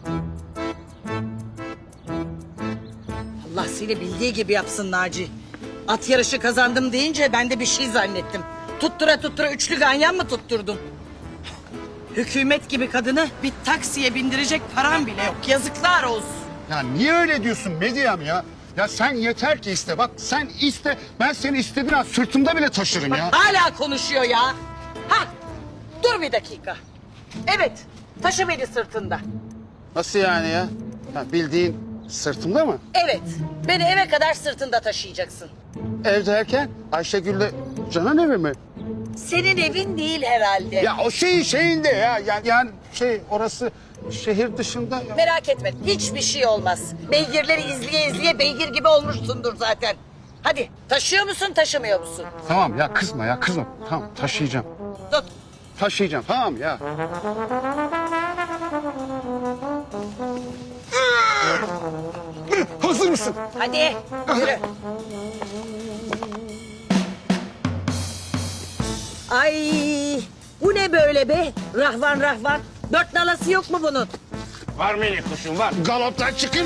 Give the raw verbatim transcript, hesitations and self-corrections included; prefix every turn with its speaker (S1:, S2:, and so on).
S1: Allah seni bildiği gibi yapsın Naci. At yarışı kazandım deyince ben de bir şey zannettim. Tuttura tuttura üçlü ganyan mı tutturdum? Hükümet gibi kadını bir taksiye bindirecek param bile yok. Yazıklar olsun.
S2: Ya niye öyle diyorsun Medyam ya? Ya sen yeter ki iste. Bak sen iste. Ben seni istediğin an sırtımda bile taşırım ya.
S1: Hala konuşuyor ya. Ha, dur bir dakika. Evet, taşı beni sırtında.
S2: Nasıl yani ya? Ya bildiğin sırtımda mı?
S1: Evet, beni eve kadar sırtında taşıyacaksın.
S2: Ev derken Ayşegül'le Canan evi mi?
S1: Senin evin değil herhalde.
S2: Ya o şeyin şeyinde ya. Yani, yani şey orası şehir dışında. Ya.
S1: Merak etme, hiçbir şey olmaz. Beygirleri izleye izleye beygir gibi olmuşsundur zaten. Hadi, taşıyor musun, taşımıyor musun?
S2: Tamam ya kızma ya kızma. Tamam taşıyacağım.
S1: Tut.
S2: Taşıyacağım tamam ya. Hazır mısın?
S1: Hadi, yürü. Ay, bu ne böyle be? Rahvan rahvan. Dört nalası yok mu bunun?
S3: Var minik kuşum var.
S2: Galoptan çıkın.